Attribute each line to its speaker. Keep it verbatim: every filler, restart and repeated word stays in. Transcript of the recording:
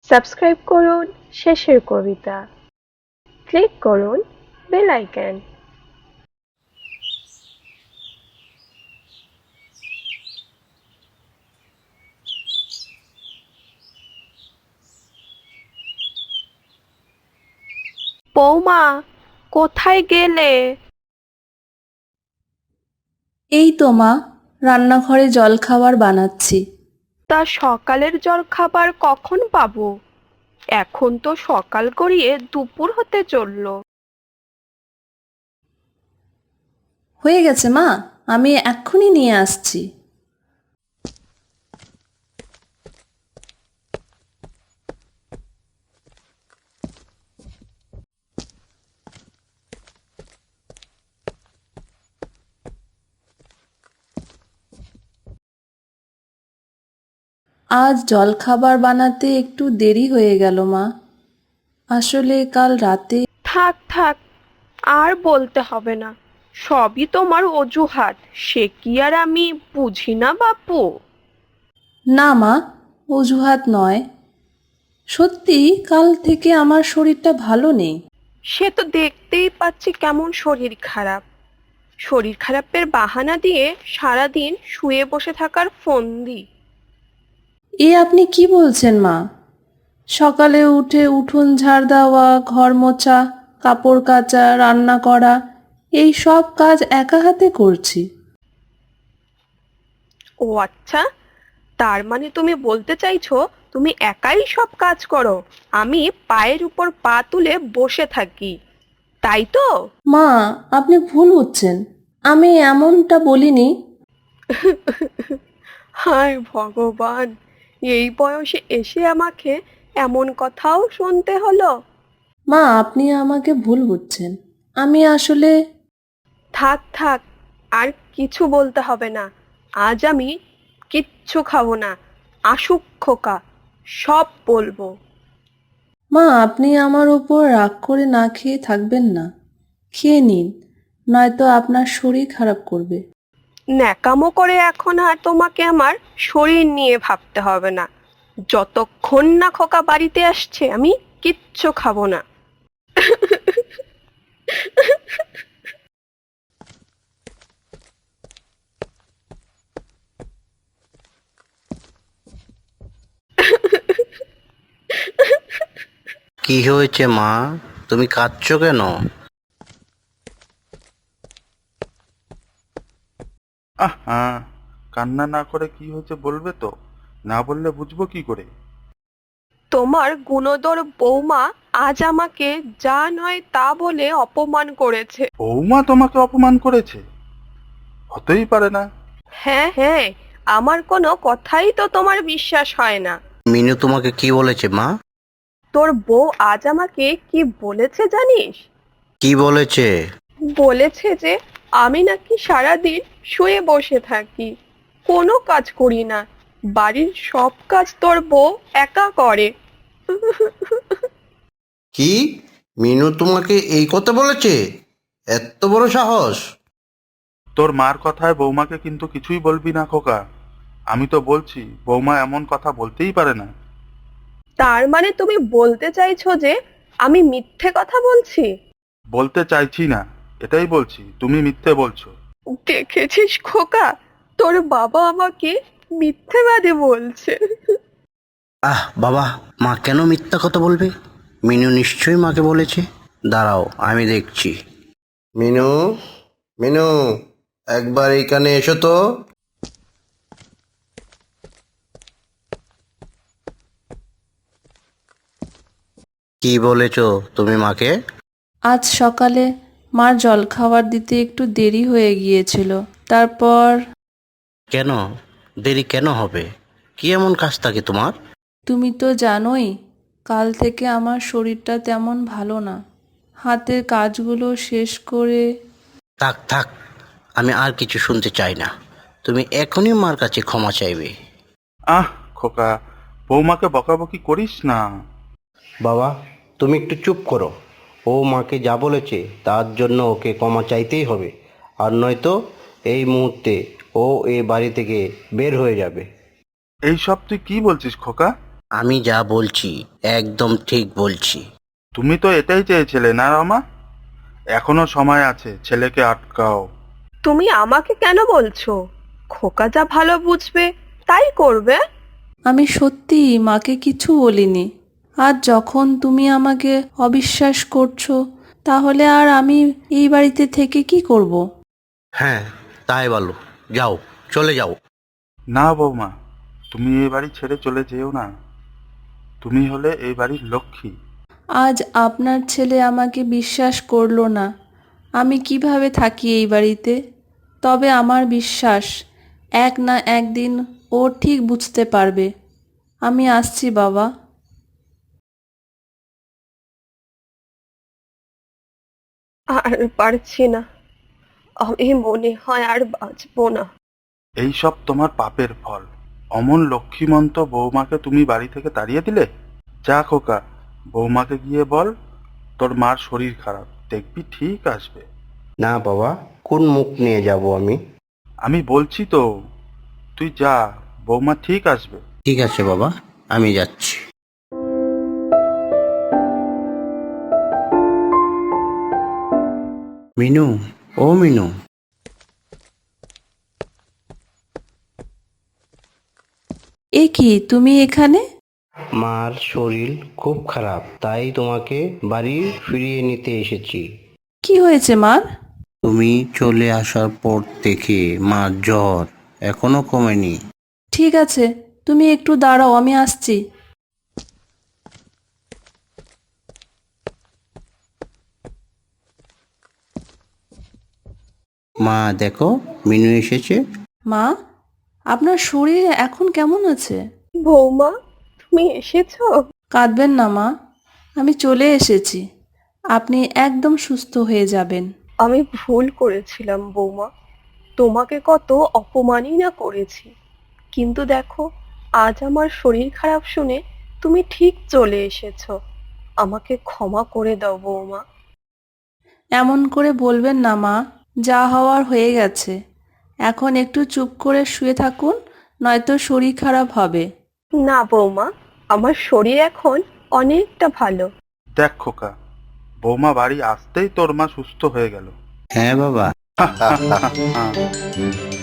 Speaker 1: Subscribe করুন Shesher Kobita, click করুন bell icon. বৌমা, কোথায় গেলে?
Speaker 2: এই তো মা, রান্নাঘরে জলখাবার বানাচ্ছি।
Speaker 1: তা সকালের জলখাবার কখন পাবো? এখন তো সকাল গড়িয়ে দুপুর হতে চললো।
Speaker 2: হয়ে গেছে মা, আমি এক্ষুনি নিয়ে আসছি। আজ জলখাবার বানাতে একটু দেরি হয়ে গেল মা। আসলে কাল রাতে।
Speaker 1: থাক থাক, আর বলতে হবে না। সবই তোমার অজুহাত, সে কি আর আমি বুঝি না বাপু?
Speaker 2: না মা, অজুহাত নয়, সত্যি কাল থেকে আমার শরীরটা ভালো নেই।
Speaker 1: সে তো দেখতেই পাচ্ছি কেমন শরীর খারাপ। শরীর খারাপের বাহানা দিয়ে সারাদিন শুয়ে বসে থাকার ফন্দি।
Speaker 2: এ আপনি কি বলছেন মা? সকালে উঠে উঠোন ঝাড় দেওয়া, ঘর মোছা, কাপড় কাচা, রান্না করা, এই সব কাজ একা হাতে করছি।
Speaker 1: ও আচ্ছা, তার মানে তুমি বলতে চাইছো তুমি একাই সব কাজ করো, আমি পায়ের উপর পা তুলে বসে থাকি, তাই তো?
Speaker 2: মা, আপনি ভুল বুঝছেন, আমি এমনটা বলিনি।
Speaker 1: হায় ভগবান, এই বয়সে এসে আমাকে এমন কথাও শুনতে হলো।
Speaker 2: মা, আপনি আমাকে ভুল বুঝছেন, আমি আসলে।
Speaker 1: থাক থাক, আর কিছু বলতে হবে না। আজ আমি কিচ্ছু খাবো না। আসুক খোকা, সব বলবো।
Speaker 2: মা, আপনি আমার ওপর রাগ করে না খেয়ে থাকবেন না, খেয়ে নিন, নয়তো আপনার শরীর খারাপ করবে।
Speaker 1: ন্যাকামো করে এখন আর তোমাকে আমার শরীর নিয়ে ভাবতে হবে না। যতক্ষণ না খোকা বাড়িতে আসছে আমি কিচ্ছু খাবো না।
Speaker 3: কি হয়েছে মা, তুমি কাঁদছো কেন?
Speaker 4: আহা, কান্না না করে কি হয়েছে বলবে তো? না বললে বুঝবো কি করে?
Speaker 1: তোমার গুণধর বৌমা আজ আমাকে যা নয় তা বলে অপমান করেছে।
Speaker 4: বৌমা তোমাকে অপমান করেছে? হতেই পারে না।
Speaker 1: হ্যাঁ হ্যাঁ, আমার কোনো কথাই তো তোমার বিশ্বাস হয় না।
Speaker 3: মিনু তোমাকে কি বলেছে মা?
Speaker 1: তোর বউ আজ আমাকে কি বলেছে জানিস?
Speaker 3: কি বলেছে?
Speaker 1: বলেছে যে আমি নাকি সারাদিন শুয়ে বসে থাকি, কোনো কাজ করি না, বাড়ির সব কাজ তোর বউ একা করে।
Speaker 3: কি, মিনু তোমাকে এই কথা বলেছে? এত বড় সাহস!
Speaker 4: তোর মার কথায় বৌমাকে কিন্তু কিছুই বলবি না খোকা। আমি তো বলছি বৌমা এমন কথা বলতেই পারে না।
Speaker 1: তার মানে তুমি বলতে চাইছো যে আমি মিথ্যে কথা বলছি?
Speaker 4: বলতে চাইছি না, এটাই বলছি তুমি মিথ্যে বলছো।
Speaker 1: দেখেছিস খোকা, তোর বাবা আমাকে মিথ্যেবাদী বলছে।
Speaker 3: আহ বাবা, মা কেন মিথ্যা কথা বলবে? মিনু নিশ্চয়ই মাকে বলেছে। দাঁড়াও, আমি দেখছি। মিনু, মিনু, একবার এখানে এসো তো। কি বলেছো তুমি মাকে?
Speaker 2: আজ সকালে মার জলখাবার দিতে একটু দেরি হয়ে গিয়েছিল, তারপর।
Speaker 3: কেন দেরি কেন হবে? কি এমন কাজ থাকে তোমার?
Speaker 2: তুমি তো জানোই, কাল থেকে আমার শরীরটা তেমন ভালো না। হাতের কাজগুলো শেষ করে।
Speaker 3: থাক থাক, আমি আর কিছু শুনতে চাই না। তুমি এখনই মার কাছে ক্ষমা চাইবে।
Speaker 4: আহ খোকা, বৌমাকে বকাবকি করিস না।
Speaker 3: বাবা, তুমি একটু চুপ করো। ও মাকে যা বলেছে তার জন্য ওকে ক্ষমা চাইতেই হবে, আর নয়তো এই মুহূর্তে ও এই বাড়ি থেকে বের হয়ে যাবে।
Speaker 4: এই সব তুই কি বলছিস খোকা?
Speaker 3: আমি যা বলছি একদম ঠিক বলছি।
Speaker 4: তুমি তো এটাই চেয়েছিলে না রমা? এখনো সময় আছে, ছেলেকে আটকাও।
Speaker 1: তুমি আমাকে কেন বলছো? খোকা যা ভালো বুঝবে তাই করবে।
Speaker 2: আমি সত্যি মাকে কিছু বলিনি। আর যখন তুমি আমাকে অবিশ্বাস করছো, তাহলে আর আমি এই বাড়িতে থেকে কি করব?
Speaker 3: হ্যাঁ, তাই বলো, যাও, চলে যাও।
Speaker 4: না বৌমা, তুমি এই বাড়ি ছেড়ে চলে যেও না। তুমি হলে এই বাড়ির লক্ষ্মী।
Speaker 2: আজ আপনার ছেলে আমাকে বিশ্বাস করলো না। আমি কিভাবে থাকি এই বাড়িতে? তবে আমার বিশ্বাস এক না একদিন ও ঠিক বুঝতে পারবে। আমি আসছি বাবা।
Speaker 1: আর পারছি না, আমি মনে হয় আর বাঁচবো না।
Speaker 4: এই সব তোমার পাপের ফল। অমন লক্ষ্মীমন্ত বৌমাকে তুমি বাড়ি থেকে তাড়িয়ে দিলে। যা খোকা, বৌমাকে গিয়ে বল তোর মার শরীর খারাপ, দেখবি ঠিক আসবে।
Speaker 3: না বাবা, কোন মুখ নিয়ে যাব আমি?
Speaker 4: আমি বলছি তো, তুই যা, বৌমা ঠিক আসবে।
Speaker 3: ঠিক আছে বাবা, আমি যাচ্ছি। মিনু, ও মিনু।
Speaker 2: এ কি, তুমি এখানে?
Speaker 3: মার শরীর খুব খারাপ, তাই তোমাকে বাড়ি ফিরিয়ে নিতে এসেছি।
Speaker 2: কি হয়েছে মার?
Speaker 3: তুমি চলে আসার পর থেকে মার জ্বর এখনো কমেনি।
Speaker 2: ঠিক আছে, তুমি একটু দাঁড়াও, আমি আসছি।
Speaker 3: মা দেখো, মিনু এসেছে।
Speaker 2: মা, আপনার শরীর এখন কেমন আছে?
Speaker 1: বৌমা, তুমি এসেছো?
Speaker 2: কাঁদবেন না মা, আমি চলে এসেছি। আপনি একদম সুস্থ হয়ে যাবেন।
Speaker 1: আমি ভুল করেছিলাম বৌমা, তোমাকে কত অপমানই না করেছি। কিন্তু দেখো, আজ আমার শরীর খারাপ শুনে তুমি ঠিক চলে এসেছো। আমাকে ক্ষমা করে দাও বৌমা।
Speaker 2: এমন করে বলবেন না মা, যা হওয়ার হয়ে গেছে। এখন একটু চুপ করে শুয়ে থাকুন, নয়তো শরীর খারাপ হবে।
Speaker 1: না বৌমা, আমার শরীর এখন অনেকটা ভালো।
Speaker 4: দেখ খোকা, বৌমা বাড়ি আসতেই তোর মা সুস্থ হয়ে গেল।
Speaker 3: হ্যাঁ বাবা।
Speaker 4: হ্যাঁ।